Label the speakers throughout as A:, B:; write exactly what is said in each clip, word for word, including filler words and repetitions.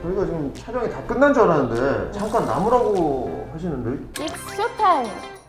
A: 저희가 지금 촬영이 다 끝난 줄 알았는데 잠깐 남으라고 하시는데
B: It's showtime.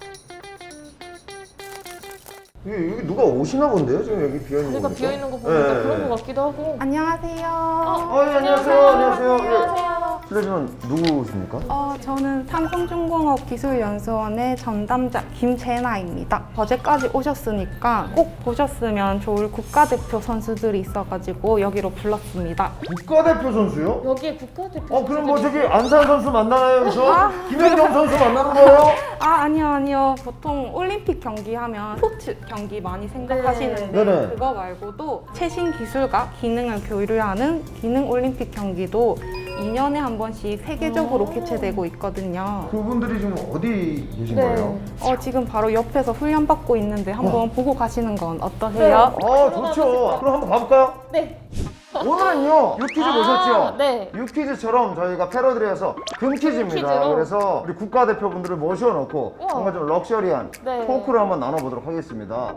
A: 여기, 여기 누가 오시나 본데요? 지금 여기 비어있는
B: 자리가
A: 거
B: 비어 있는 거 보니까
A: 네.
B: 그런 거 같기도 하고.
C: 안녕하세요.
A: 어, 예, 안녕하세요. 안녕하세요.
B: 안녕하세요.
A: 실례지만 누구십니까?
C: 어, 저는 삼성중공업 기술연수원의 전담자 김재나입니다. 어제까지 오셨으니까 꼭 보셨으면 좋을 국가대표 선수들이 있어가지고 여기로 불렀습니다.
A: 국가대표 선수요?
B: 여기에 국가대표.
A: 어 그럼 뭐
B: 선수들이
A: 저기 안산 선수 만나나요 여기서?
C: 아.
A: 김연경 선수 만나는 거예요?
C: 아, 아니요, 아니요. 보통 올림픽 경기하면 스포츠 경기 많이 생각하시는데
A: 네. 네네.
C: 그거 말고도 최신 기술과 기능을 교류하는 기능 올림픽 경기도 이 년에 한 번씩 세계적으로
B: 오.
C: 개최되고 있거든요.
A: 그분들이 지금 어디 계신
B: 네.
A: 거예요?
C: 어, 지금 바로 옆에서 훈련 받고 있는데 한번
A: 어.
C: 보고 가시는 건 어떠세요?
A: 아 좋죠. 그럼 한번 가볼까요?
B: 네.
A: 오늘은요 유퀴즈
B: 아,
A: 보셨죠?
B: 네.
A: 유퀴즈처럼 저희가 패러디를 해서 금퀴즈입니다.
B: 금퀴즈로?
A: 그래서 우리 국가대표분들을 모셔놓고
B: 우와.
A: 뭔가 좀 럭셔리한
B: 네.
A: 토크를 한번 나눠보도록 하겠습니다.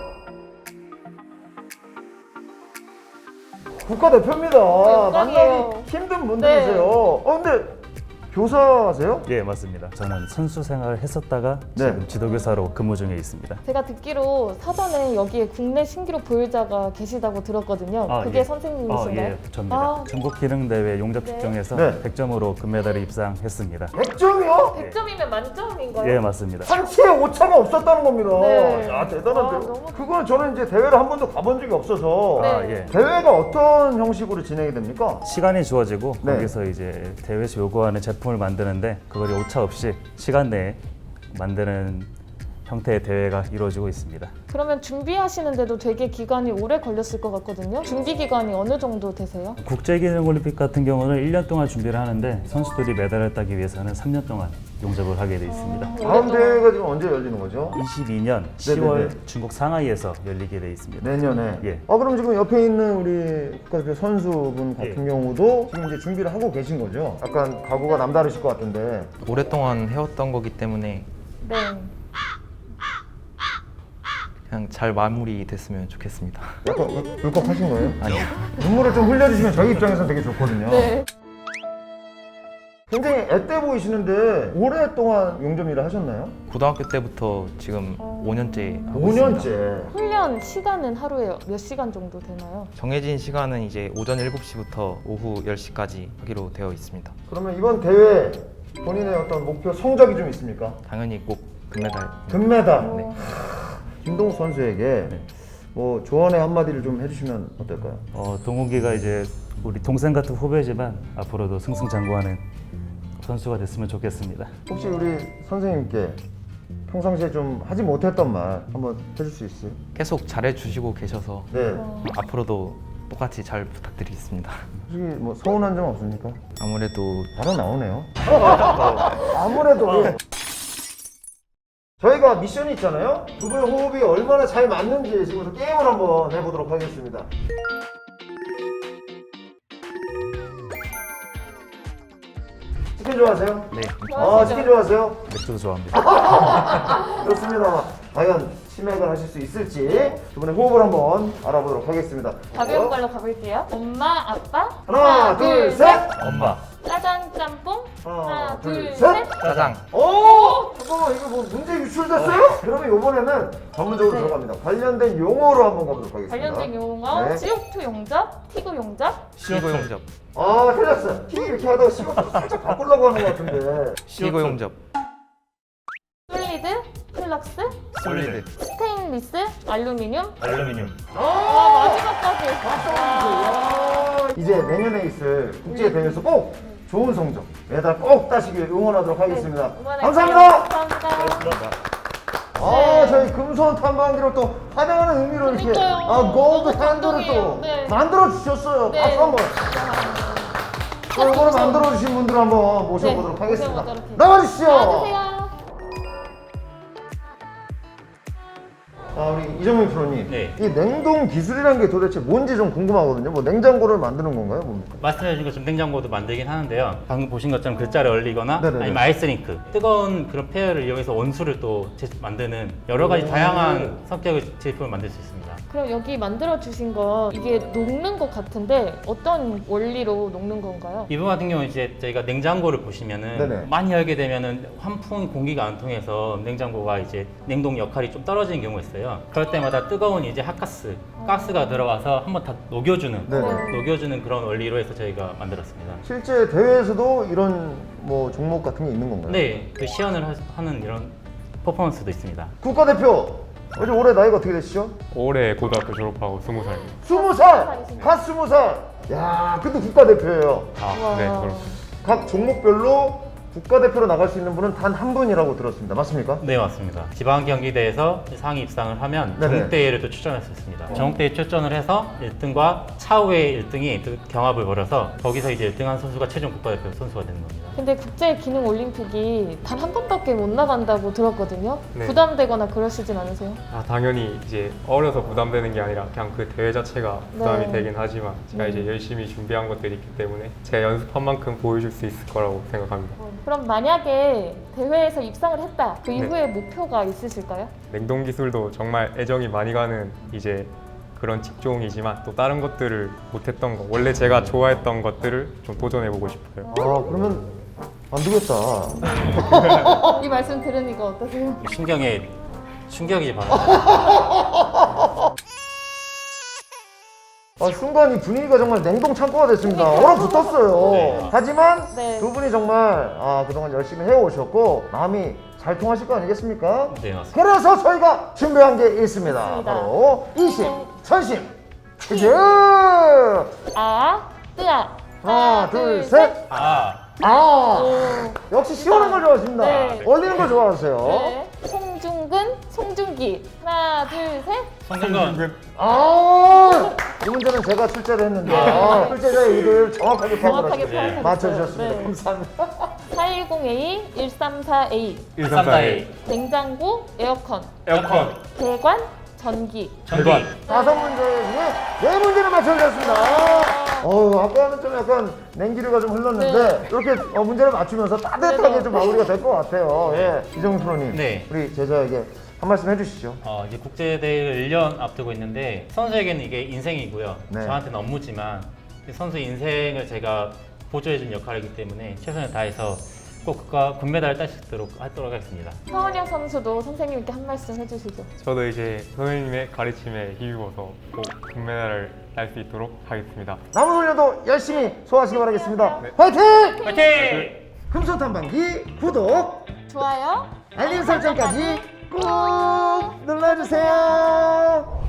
A: 국가대표입니다.
B: 영광이에요.
A: 만나기 힘든 분들이세요. 어 근데 교사세요?
D: 예, 맞습니다. 저는 선수 생활을 했었다가
A: 네.
D: 지금 지도교사로 근무 중에 있습니다.
B: 제가 듣기로 사전에 여기에 국내 신기루 보유자가 계시다고 들었거든요.
D: 아,
B: 그게
D: 예.
B: 선생님이신가요?
D: 어, 예, 저입니다.
B: 아.
D: 전국 기능 대회 용접
B: 네.
D: 측정에서
A: 네.
D: 백 점으로 금메달에 입상했습니다.
A: 백 점이요?
B: 백 점이면 만점인가요?
D: 예, 맞습니다.
A: 한치의 오차가 없었다는 겁니다.
B: 네.
A: 야 대단한데요?
B: 아, 너무
A: 그거는 저는 이제 대회를 한 번도 가본 적이 없어서
B: 네.
D: 아, 예.
A: 대회가 어떤 형식으로 진행이 됩니까?
D: 시간이 주어지고
A: 네.
D: 거기서 이제 대회에서 요구하는 제품을 만드는데 그걸 오차 없이 시간 내에 만드는 형태의 대회가 이루어지고 있습니다.
B: 그러면 준비하시는데도 되게 기간이 오래 걸렸을 것 같거든요. 준비 기간이 어느 정도 되세요?
D: 국제기능올림픽 같은 경우는 일 년 동안 준비를 하는데 선수들이 메달을 따기 위해서는 삼 년 동안 용접을 하게 돼 있습니다.
A: 다음 대회가 지금 언제 열리는 거죠?
D: 이십이 년 시월 중국 상하이에서 열리게 돼 있습니다.
A: 내년에.
D: 예.
A: 아 그럼 지금 옆에 있는 우리 국가대표 선수분 같은
D: 예.
A: 경우도 지금 이제 준비를 하고 계신 거죠? 약간 각오가 남다르실 것 같은데.
E: 오랫동안 해왔던 거기 때문에
B: 네.
E: 그냥 잘 마무리됐으면 좋겠습니다.
A: 약간 울- 울컥하신 거예요?
E: 아니요.
A: 눈물을 좀 흘려주시면 저희 입장에서는 되게 좋거든요.
B: 네.
A: 굉장히 앳돼 보이시는데 오랫동안 용접 일을 하셨나요?
E: 고등학교 때부터 지금
B: 어.
E: 오 년째 하고
A: 오
E: 있습니다.
A: 년째.
B: 훈련 시간은 하루에 몇 시간 정도 되나요?
E: 정해진 시간은 이제 오전 일곱 시부터 오후 열 시까지 하기로 되어 있습니다.
A: 그러면 이번 대회 본인의 어떤 목표 성적이 좀 있습니까?
E: 당연히 꼭 금메달.
A: 금메달.
E: 네.
A: 김동욱 선수에게 뭐 조언의 한마디를 좀 해주시면 어떨까요?
D: 어, 동욱이가 이제 우리 동생 같은 후배지만 앞으로도 승승장구하는 선수가 됐으면 좋겠습니다.
A: 혹시 우리 선생님께 평상시에 좀 하지 못했던 말 한번 해줄 수 있어요?
E: 계속 잘해주시고 계셔서
A: 네.
E: 앞으로도 똑같이 잘 부탁드리겠습니다.
A: 솔직히 뭐 서운한 점 없습니까?
E: 아무래도
A: 바로 나오네요. 아무래도 예. 저희가 미션이 있잖아요. 두 분의 호흡이 얼마나 잘 맞는지 지금부터 게임을 한번 해보도록 하겠습니다. 치킨 좋아하세요?
D: 네,
A: 아 치킨 좋아하세요?
D: 맥주도 좋아합니다.
A: 좋습니다. 과연 치맥을 하실 수 있을지 두 분의 호흡을 한번 알아보도록 하겠습니다.
B: 가벼운 걸로 가볼게요. 엄마, 아빠.
A: 하나, 둘, 셋.
D: 엄마,
B: 짜장, 짬뽕.
A: 하나, 둘,
B: 둘,
A: 셋.
B: 셋.
E: 짜장.
A: 오! 잠깐만 이거 뭐 문제 유출됐어요? 그러면 이번에는 전문적으로
B: 네.
A: 들어갑니다. 관련된 용어로 한번 가보도록 하겠습니다.
B: 관련된 용어.
A: 네.
B: 씨오투 용접, 티구 용접.
E: 시고 용접.
A: 아 틀렸어. 티 이렇게 하다가 시간 살짝 바꾸려고 하는 것 같은데.
E: 시고 용접.
B: 솔리드, 플럭스,
E: 솔리드.
B: 스테인리스, 알루미늄.
D: 알루미늄.
B: 와, 마지막까지.
A: 아, 이제 내년에 있을 국제 대회에서 꼭 좋은 성적, 메달 꼭 따시길 응원하도록 하겠습니다.
B: 네, 응원할게요.
A: 감사합니다.
B: 감사합니다.
A: 아
B: 네.
A: 저희 금손 탐방기로 또 환영하는 의미로 이렇게
B: 그러니까요.
A: 아 골드
B: 너무
A: 핸들을
B: 감동이에요.
A: 또
B: 네.
A: 만들어 주셨어요.
B: 네.
A: 박수 한번. 자, 이거를
B: 그렇죠.
A: 만들어 주신 분들 한번 모셔보도록
B: 네,
A: 하겠습니다.
B: 모셔보도록 해요.
A: 나와주시죠.
B: 나와주세요.
A: 아, 우리 이정민 프로님,
F: 네.
A: 이 냉동 기술이라는 게 도대체 뭔지 좀 궁금하거든요. 뭐 냉장고를 만드는 건가요? 뭡니까?
F: 말씀해주신 것처럼 냉장고도 만들긴 하는데요. 방금 보신 것처럼 글자를 얼리거나
A: 네네네.
F: 아니면 아이스링크, 뜨거운 그런 폐열을 이용해서 원수를 또 제- 만드는 여러 가지 다양한 성격의 제품을 만들 수 있습니다.
B: 그럼 여기 만들어 주신 거 이게 녹는 것 같은데 어떤 원리로 녹는 건가요?
F: 이 부분 같은 경우는 이제 저희가 냉장고를 보시면은
A: 네네.
F: 많이 열게 되면은 환풍 공기가 안 통해서 냉장고가 이제 냉동 역할이 좀 떨어지는 경우가 있어요. 그럴 때마다 뜨거운 이제 핫가스, 가스가 들어와서 한번 다 녹여주는,
A: 네네.
F: 녹여주는 그런 원리로 해서 저희가 만들었습니다.
A: 실제 대회에서도 이런 뭐 종목 같은 게 있는 건가요?
F: 네, 그 시연을 하- 하는 이런 퍼포먼스도 있습니다.
A: 국가대표, 어제 올해 나이가 어떻게 되시죠?
G: 올해 고등학교 졸업하고 스무 살.
A: 스무 살! 갓 스무 살! 야, 근데 국가대표예요.
G: 아, 네, 그렇습니다.
A: 각 종목별로 국가대표로 나갈 수 있는 분은 단 한 분이라고 들었습니다. 맞습니까?
F: 네, 맞습니다. 지방 경기대에서 상위 입상을 하면
A: 네네.
F: 전국대회를 또 출전할 수 있습니다. 전국대회 출전을 해서 일 등과 차후의 일 등이 또 경합을 벌여서 거기서 이제 일 등한 선수가 최종 국가대표 선수가 되는 겁니다.
B: 근데 국제기능올림픽이 단 한 번밖에 못 나간다고 들었거든요.
G: 네.
B: 부담되거나 그러시진 않으세요?
G: 아, 당연히 이제 어려서 부담되는 게 아니라 그냥 그 대회 자체가 부담이
B: 네.
G: 되긴 하지만 제가 이제 열심히 준비한 것들이 있기 때문에 제가 연습한 만큼 보여줄 수 있을 거라고 생각합니다.
B: 그럼 만약에 대회에서 입상을 했다. 그
G: 네.
B: 이후에 목표가 있으실까요?
G: 냉동 기술도 정말 애정이 많이 가는 이제 그런 직종이지만 또 다른 것들을 못했던 거, 원래 제가 좋아했던 것들을 좀 도전해보고 싶어요.
A: 아, 그러면 안 되겠다.
B: 이 말씀 들으니까 어떠세요?
F: 신경에 충격이 바랍니다.
A: 아, 순간 이 분위기가 정말 냉동 창고가 됐습니다. 얼어붙었어요.
F: 네.
A: 하지만
B: 네.
A: 두 분이 정말 아, 그동안 열심히 해오셨고 마음이 잘 통하실 거 아니겠습니까?
F: 네, 맞습니다.
A: 그래서 저희가 준비한 게 있습니다.
B: 있습니다.
A: 바로 이심, 선심, 퀴즈!
B: 아, 뜨아.
A: 하나, 둘, 셋!
F: 아,
A: 아!
B: 오.
A: 역시 시원한 걸 좋아하십니다.
B: 네.
A: 얼리는 걸 좋아하세요.
B: 네. 송중근, 송중기. 하나, 둘, 셋.
F: 성준건
A: 아! 이 문제는 제가 출제를 했는데 아, 출제자의 의도를 정확하게 파악을
B: 정확하게
A: 하시고
B: 파악하셨어요.
A: 맞춰주셨습니다.
B: 네.
A: 감사합니다.
B: 사일공 에이, 일삼사 에이.
F: 일삼사 에이
B: 냉장고, 에어컨.
F: 에어컨
B: 배관, 전기.
F: 전기
A: 다섯 문제 중에 네 문제를 맞춰주셨습니다. 어우, 아까는 좀 약간 냉기류가 좀 흘렀는데 이렇게 어, 문제를 맞추면서 따뜻하게
B: 네.
A: 좀 마무리가 될 것 같아요. 예. 이정민 프로님,
F: 네.
A: 우리 제자에게 한 말씀 해주시죠.
F: 어, 이제 국제대회를 일 년 앞두고 있는데 선수에게는 이게 인생이고요.
A: 네.
F: 저한테는 업무지만 선수 인생을 제가 보조해준 역할이기 때문에 최선을 다해서 꼭 국가 금메달을 딸 수 있도록 하도록 하겠습니다.
B: 서은영 선수도 선생님께 한 말씀 해주시죠.
G: 저도 이제 선생님의 가르침에 힘입어서 꼭 금메달을 딸 수 있도록 하겠습니다.
A: 남은 훈련도 열심히 소화하시기 바라겠습니다. 화이팅!
F: 화이팅!
A: 금손 탐방기 구독,
B: 좋아요.
A: 알림 설정까지 꼭 눌러주세요.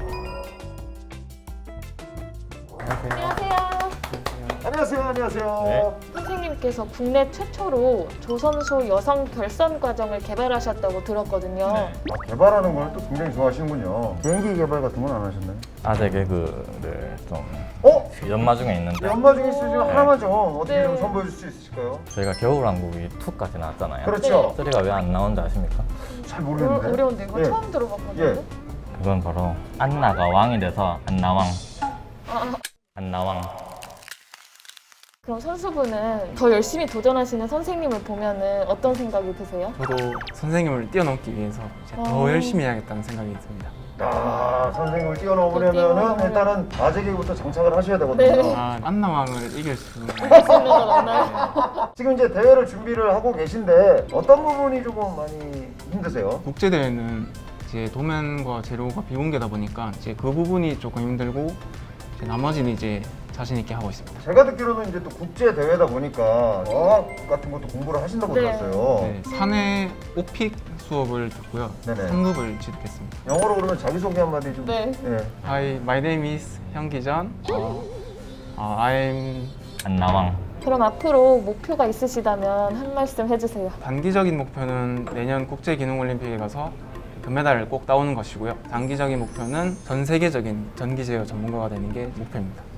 B: 안녕하세요.
A: 안녕하세요. 안녕하세요.
B: 선생님께서 국내 최초로 조선소 여성 결선 과정을 개발하셨다고 들었거든요.
A: 아, 개발하는 걸 또 굉장히 좋아하시는군요. 비행기 개발 같은 건 안 하셨나요?
H: 아재 개그를 좀
A: 어?
H: 연마 중에 있는데
A: 연마 중에 있으시면 하나만 좀 어떻게
B: 네.
A: 좀 선보여 줄 수 있으실까요?
H: 저희가 겨울왕국이 이까지 나왔잖아요.
A: 그렇죠.
H: 쓰리가 왜 안 나온지 아십니까?
A: 잘
B: 어,
A: 모르겠는데.
B: 어려운데 이거
A: 예.
B: 처음 들어봤거든요.
A: 예.
H: 그건 바로 안나가 왕이 돼서 안나왕.
B: 아,
H: 안나왕.
B: 그럼 선수분은 더 열심히 도전하시는 선생님을 보면은 어떤 생각이 드세요?
I: 저도 선생님을 뛰어넘기 위해서 이제 더
B: 어.
I: 열심히 해야겠다는 생각이 듭니다.
A: 아, 선생님을 뛰어넘으려면은
B: 뛰어넘으려면.
A: 일단은 아재개부터 장착을 하셔야 되거든요.
B: 네.
I: 아, 안나왕을 이길 수 있는
B: 할 수 있는 건 없나요?
A: 지금 이제 대회를 준비를 하고 계신데 어떤 부분이 조금 많이 힘드세요?
I: 국제대회는 이제 도면과 재료가 비공개다 보니까 이제 그 부분이 조금 힘들고 이제 나머지는 이제 자신 있게 하고 있습니다.
A: 제가 듣기로는 이제 또 국제 대회다 보니까 어학 같은 것도 공부를 하신다고
B: 네.
A: 들었어요.
I: 네, 사내 오픽 수업을 듣고요.
A: 네네.
I: 삼 급을 취득했습니다.
A: 영어로 그러면 자기소개 한마디 좀.
B: 네.
A: 예.
I: Hi, my name is 현기전. 어, 어, I'm
H: 안나왕.
B: 그럼 앞으로 목표가 있으시다면 한 말씀 해주세요.
I: 단기적인 목표는 내년 국제기능올림픽에 가서 금메달을 꼭 따오는 것이고요. 장기적인 목표는 전 세계적인 전기 제어 전문가가 되는 게 목표입니다.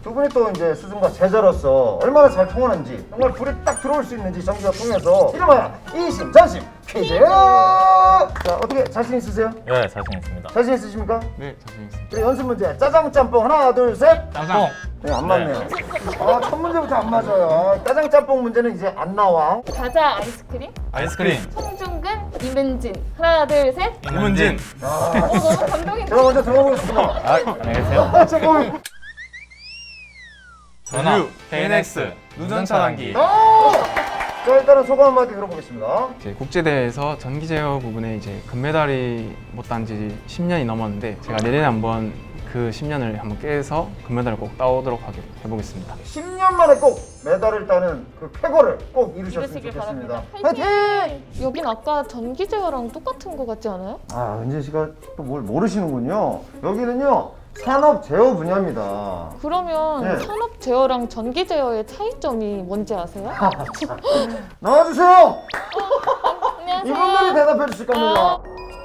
A: 두 분이 또 이제 스승과 제자로서 얼마나 잘 통하는지 정말 불이 딱 들어올 수 있는지 정기가 통해서 이름하여 이심전심 퀴즈! 자, 어떻게 자신 있으세요?
H: 네, 자신 있습니다.
A: 자신 있으십니까?
I: 네, 자신 있습니다.
A: 그래, 연습 문제 짜장 짬뽕 하나 둘 셋.
I: 짜장.
A: 네, 안 맞네요. 아, 첫 문제부터 안 맞아요. 짜장 짬뽕 문제는 이제 안 나와.
B: 과자 아이스크림,
I: 아이스크림.
B: 송중근, 이문진. 하나, 둘, 셋.
I: 이문진.
B: 어, 너무 감동인데.
A: 제가 먼저 들어보겠습니다.
H: 아, 안녕히 계세요.
A: 아, 잠깐만.
I: 전류, 케이엔엑스, 누전 차단기.
A: 아! 자, 일단은 소감 한마디 들어보겠습니다.
I: 이제 국제대회에서 전기 제어 부분에 이제 금메달이 못 딴 지 십 년이 넘었는데 제가 내년에 한번 그 십 년을 한번 깨서 금메달을 꼭 따오도록 하게 해보겠습니다.
A: 십 년 만에 꼭 메달을 따는 그 쾌거를 꼭 이루셨으면
B: 이루시길
A: 좋겠습니다.
B: 바랍니다.
A: 화이팅!
B: 여긴 아까 전기 제어랑 똑같은 거 같지 않아요?
A: 아, 은진 씨가 또 뭘 모르시는군요. 여기는요, 산업 제어 분야입니다.
B: 그러면
A: 네.
B: 산업 제어랑 전기 제어의 차이점이 뭔지 아세요?
A: 나와주세요!
B: 안녕하세요.
A: 이분들이 대답해 주실 겁니다.
B: 아.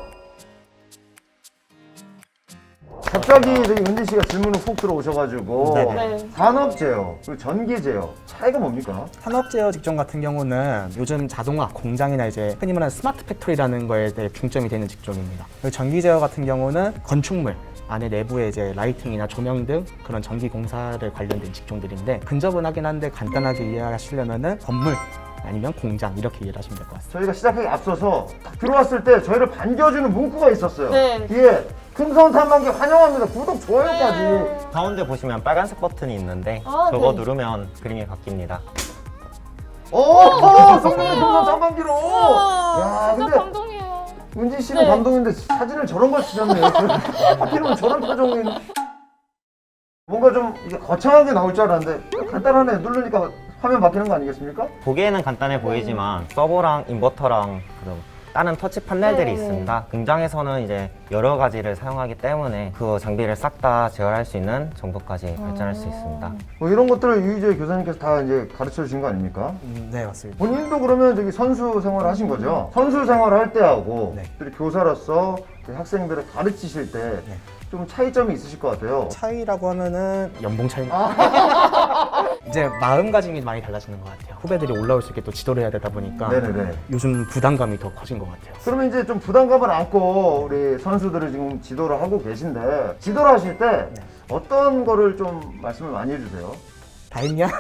A: 갑자기 저기 은진 씨가 질문을 훅 들어오셔가지고
B: 네.
A: 산업 제어 그리고 전기 제어 차이가 뭡니까?
J: 산업 제어 직종 같은 경우는 요즘 자동화 공장이나 이제 흔히 말하는 스마트 팩토리라는 거에 대해 중점이 되는 직종입니다. 그리고 전기 제어 같은 경우는 건축물 안에 내부에 이제 라이팅이나 조명 등 그런 전기 공사를 관련된 직종들인데 근접은 한데 간단하게 이해하시려면은 건물 아니면 공장 이렇게 이해를 하시면 될 것 같습니다.
A: 저희가 시작하기 앞서서 딱 들어왔을 때 저희를 반겨주는 문구가 있었어요.
B: 네.
A: 뒤에 금성 탐방기 환영합니다. 구독 좋아요까지.
B: 네.
H: 가운데 보시면 빨간색 버튼이 있는데
B: 아,
H: 저거
B: 네.
H: 누르면 그림이 바뀝니다.
A: 오, 오 성공의 금성 탐방기로.
B: 우와,
A: 야,
B: 진짜
A: 근데
B: 감동이에요.
A: 은진 씨는
B: 네.
A: 감동인데 사진을 저런 걸 쓰셨네요. 하필이면 저런 표정이. 뭔가 좀 이게 거창하게 나올 줄 알았는데 간단하네. 누르니까 화면 바뀌는 거 아니겠습니까?
H: 보기에는 간단해 보이지만 서버랑 인버터랑 그런 다른 터치 판넬들이
B: 네.
H: 있습니다. 공장에서는 이제 여러 가지를 사용하기 때문에 그 장비를 싹 다 제어할 수 있는 정도까지 발전할 수 있습니다.
A: 뭐 이런 것들을 유희재 교사님께서 다 이제 가르쳐 주신 거 아닙니까?
J: 음, 네, 맞습니다.
A: 본인도 그러면 저기 선수 생활을 하신 거죠? 선수 생활을 할 때하고
J: 네.
A: 또 교사로서 그 학생들을 가르치실 때 좀 차이점이 있으실 것 같아요.
J: 차이라고 하면은 연봉 차이.
A: 아.
J: 이제 마음가짐이 많이 달라지는 것 같아요. 후배들이 올라올 수 있게 또 지도를 해야 되다 보니까
A: 네네네.
J: 요즘 부담감이 더 커진 것 같아요.
A: 그러면 이제 좀 부담감을 안고 우리 선수들을 지금 지도를 하고 계신데 지도를 하실 때 어떤 거를 좀 말씀을 많이 해주세요?
J: 다 했냐?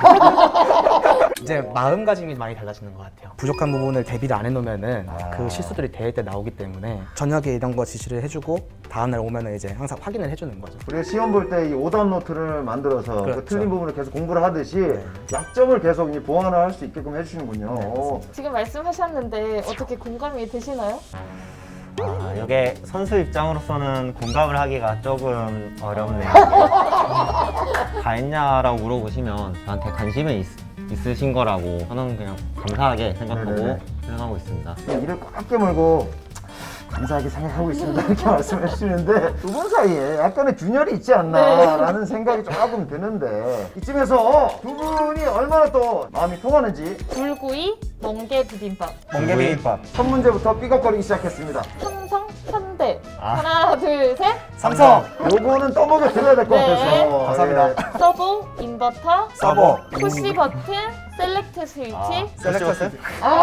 J: 이제 마음가짐이 많이 달라지는 것 같아요. 부족한 부분을 대비를 안 해놓으면은
A: 아.
J: 그 실수들이 대회 때 나오기 때문에 저녁에 이런 거 지시를 해주고 다음날 오면은 이제 항상 확인을 해주는 거죠.
A: 우리가 시험 볼 때 이 오답 노트를 만들어서 그
J: 그렇죠.
A: 틀린 부분을 계속 공부를 하듯이
J: 네.
A: 약점을 계속 이제 보완을 할 수 있게끔 해주시는군요.
J: 네,
B: 지금 말씀하셨는데 어떻게 공감이 되시나요?
H: 아, 이게 선수 입장으로서는 공감을 하기가 조금 어렵네요. 다 했냐라고 물어보시면 저한테 관심이 있, 있으신 거라고 저는 그냥 감사하게 생각하고
A: 네네네.
H: 수행하고 있습니다.
A: 이를 꽉 깨물고 감사하게 생각하고 있습니다 이렇게 말씀해 주시는데 두 분 사이에 약간의 균열이 있지 않나라는 생각이 조금 드는데 이쯤에서 두 분이 얼마나 또 마음이 통하는지
B: 불구이, 멍게 비빔밥.
J: 멍게 비빔밥.
A: 첫 문제부터 삐걱거리기 시작했습니다.
B: 삼성, 현대.
H: 아.
B: 하나, 둘, 셋.
J: 삼성.
A: 요거는 떠먹여 드려야 될 것
B: 네.
A: 같아서
J: 감사합니다.
B: 서버, 인버터,
J: 서버.
B: 푸시 버튼, 셀렉트 스위치.
J: 셀렉터스.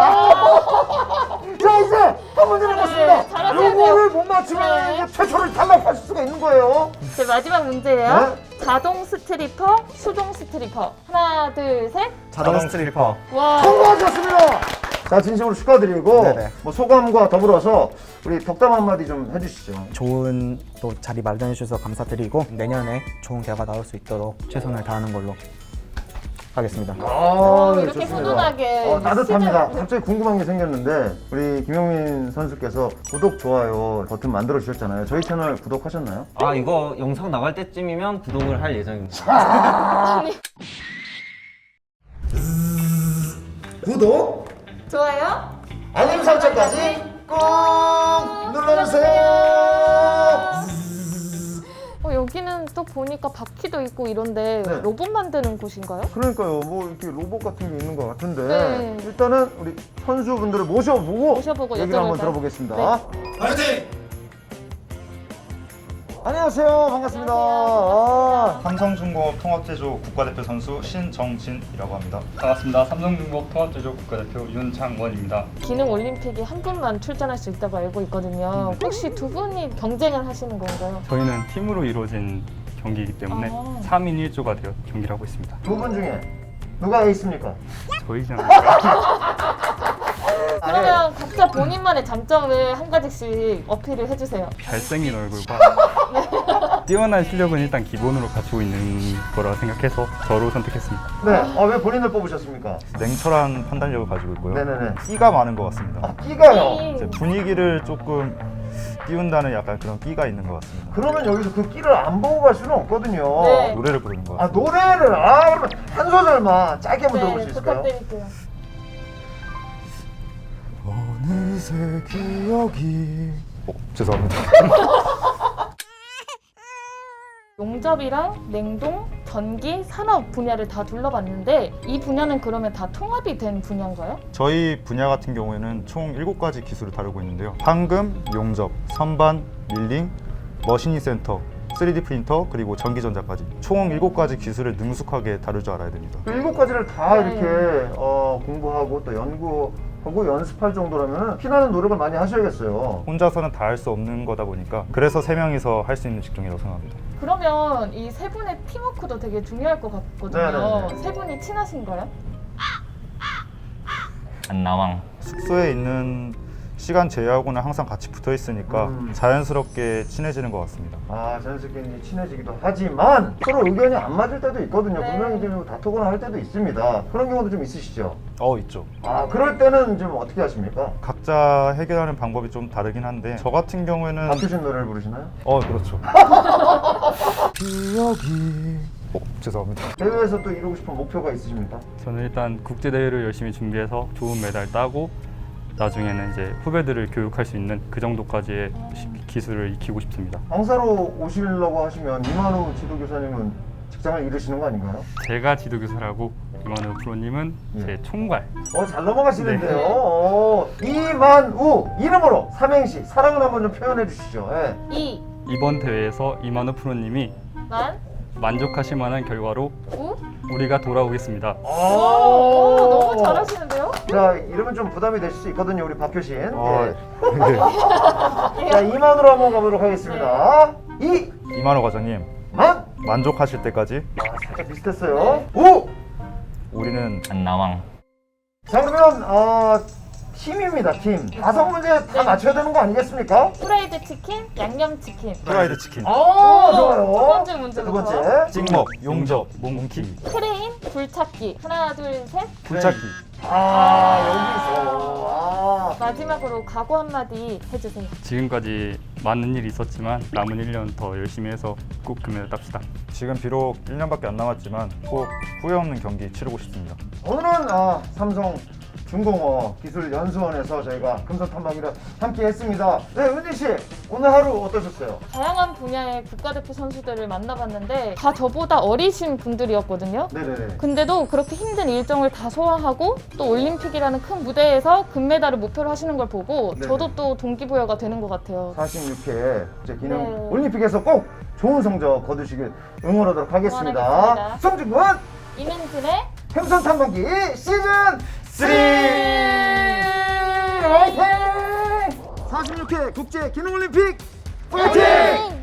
A: 자 이제 한 문제 남았습니다.
B: 네, 잘하셔야
A: 요거를 못 맞추면
B: 네.
A: 이제 최초를 탈락하실 수가 있는 거예요.
B: 제 마지막 문제예요.
A: 네?
B: 자동 스트리퍼, 수동 스트리퍼. 하나, 둘, 셋.
J: 자동 스트리퍼.
B: 와.
A: 성공하셨습니다. 자 진심으로 축하드리고
J: 네네.
A: 뭐 소감과 더불어서 우리 덕담 한마디 좀 해주시죠.
J: 좋은 또 자리 마련해 주셔서 감사드리고 내년에 좋은 결과 나올 수 있도록 최선을 다하는 걸로 하겠습니다.
A: 아, 네,
B: 이렇게
A: 좋습니다.
B: 훈훈하게
A: 어, 따뜻합니다.
B: 시작을-
A: 갑자기 궁금한 게 생겼는데 우리 김용민 선수께서 구독, 좋아요 버튼 만들어 주셨잖아요. 저희 채널 구독하셨나요?
H: 아 이거 영상 나갈 때쯤이면 구독을 할 예정입니다.
A: 구독,
B: 좋아요.
A: 알림 설정까지 꼭 눌러주세요.
B: 어, 여기는 또 보니까 바퀴도 있고 이런데
A: 네.
B: 로봇 만드는 곳인가요?
A: 그러니까요. 뭐 이렇게 로봇 같은 게 있는 것 같은데
B: 네.
A: 일단은 우리 선수분들을 모셔보고
B: 모셔보고
A: 얘기를 한번
B: 여쭤볼까요?
A: 들어보겠습니다. 파이팅! 안녕하세요. 반갑습니다. 아,
K: 삼성중공업 통합제조 국가대표 선수 신정진이라고 합니다.
L: 반갑습니다. 삼성중공업 통합제조 국가대표 윤창원입니다.
B: 기능 올림픽에 한 분만 출전할 수 있다고 알고 있거든요. 혹시 두 분이 경쟁을 하시는 건가요?
L: 저희는 팀으로 이루어진 경기이기 때문에
B: 아.
L: 삼 인 일 조가 되어 경기를 하고 있습니다.
A: 두 분 중에 누가 에이스입니까?
L: 저희지 않을까?
B: 그러면 각자 본인만의 장점을 한 가지씩 어필을 해주세요.
L: 잘생긴 얼굴과 뛰어난 실력은 일단 기본으로 갖추고 있는 거라 생각해서 저로 선택했습니다.
A: 네. 아, 왜 본인을 뽑으셨습니까?
K: 냉철한 판단력을 가지고 있고요.
A: 네네네.
K: 끼가 많은 것 같습니다.
A: 아, 끼가요?
K: 이제 분위기를 조금 띄운다는 약간 그런 끼가 있는 것 같습니다.
A: 그러면 여기서 그 끼를 안 보고 갈 수는 없거든요.
B: 네.
K: 노래를 부르는 것
A: 아,
K: 같습니다.
A: 노래를, 아, 그러면 한 소절만 짧게 한번 들어볼 수
B: 네,
A: 있을까요?
B: 부탁드릴게요.
K: 어느새 기억이... 어, 죄송합니다.
B: 용접이랑 냉동, 전기, 산업 분야를 다 둘러봤는데 이 분야는 그러면 다 통합이 된 분야인가요?
K: 저희 분야 같은 경우에는 총 일곱 가지 기술을 다루고 있는데요. 황금, 용접, 선반, 밀링, 머신링 센터, 쓰리디 프린터, 그리고 전기전자까지 총 일곱 가지 기술을 능숙하게 다룰 줄 알아야 됩니다.
A: 그 일곱 가지를 다
B: 네.
A: 이렇게 어, 공부하고 또 연구하고 연습할 정도라면 피나는 노력을 많이 하셔야겠어요.
K: 혼자서는 다 할 수 없는 거다 보니까 그래서 세 명이서 할 수 있는 직종이라고 생각합니다.
B: 그러면 이 세 분의 팀워크도 되게 중요할 것 같거든요.
A: 네네네.
B: 세 분이 친하신가요?
H: 안 나왕.
K: 숙소에 있는 시간 제외하고는 항상 같이 붙어 있으니까
A: 음.
K: 자연스럽게 친해지는 것 같습니다.
A: 아, 자연스럽게 이제 친해지기도 하지만 서로 의견이 안 맞을 때도 있거든요.
B: 네.
A: 분명히 좀 다투거나 할 때도 있습니다. 그런 경우도 좀 있으시죠?
K: 어, 있죠.
A: 아, 그럴 때는 좀 어떻게 하십니까?
K: 각자 해결하는 방법이 좀 다르긴 한데 저 같은 경우에는
A: 바뀌신 노래를 부르시나요?
K: 어, 그렇죠. 기억이... 어, 죄송합니다.
A: 대회에서 또 이루고 싶은 목표가 있으십니까?
L: 저는 일단 국제대회를 열심히 준비해서 좋은 메달 따고 나중에는 이제 후배들을 교육할 수 있는 그 정도까지의 시- 기술을 익히고 싶습니다.
A: 강사로 오시려고 하시면 이만우 지도교사님은 직장을 잃으시는 거 아닌가요?
L: 제가 지도교사라고 이만우 프로님은
A: 예.
L: 제 총괄.
A: 어, 잘 넘어가시는데요.
B: 네.
A: 어, 이만우 이름으로 삼행시 사랑을 한번 좀 표현해 주시죠. 예.
B: 이,
L: 이번 대회에서 이만우 프로님이
B: 만,
L: 만족하실 만한 결과로
B: 우.
L: 우리가 돌아오겠습니다.
A: 오,
B: 오, 너무 잘하시는데요?
A: 자, 이러면 좀 부담이 되실 수 있거든요, 우리 박효신.
K: 어,
A: 예. 자, 이만으로 한번 가보도록 하겠습니다. 이,
K: 이만호 과장님,
A: 만.
K: 만족하실 때까지
A: 아, 살짝 비슷했어요. 우.
K: 우리는
H: 안 나왕.
A: 자, 그러면 어, 팀입니다, 팀. 다섯 문제 다 맞춰야 되는 거 아니겠습니까?
B: 프라이드 치킨, 양념 치킨.
K: 프라이드 치킨,
A: 아,
B: 오,
A: 좋아요.
B: 두 번째 문제부터.
A: 두 번째.
K: 찍먹, 용접, 몽키,
B: 크레인, 불찾기. 하나, 둘, 셋.
K: 불찾기.
A: 아, 여기서. 아.
B: 마지막으로 각오 한마디 해주세요.
L: 지금까지 많은 일이 있었지만 남은 일 년 더 열심히 해서 꼭 금메달 땁시다.
K: 지금 비록 일 년밖에 안 남았지만 꼭 후회 없는 경기 치르고 싶습니다.
A: 오늘은 아, 삼성 중공업 기술연수원에서 저희가 금속 탐방기를 함께 했습니다. 네, 은진 씨, 오늘 하루 어떠셨어요?
B: 다양한 분야의 국가대표 선수들을 만나봤는데 다 저보다 어리신 분들이었거든요.
A: 네네네.
B: 근데도 그렇게 힘든 일정을 다 소화하고 또 올림픽이라는 큰 무대에서 금메달을 목표로 하시는 걸 보고
A: 네네.
B: 저도 또 동기부여가 되는 것 같아요.
A: 사십육 회 국제 기능
B: 네.
A: 올림픽에서 꼭 좋은 성적 거두시길 응원하도록 하겠습니다.
B: 응원하겠습니다.
A: 송중근
B: 이민진의
A: 금속 탐방기 시즌 쓰리 화이팅! 사십육 회 국제 기능 올림픽 화이팅!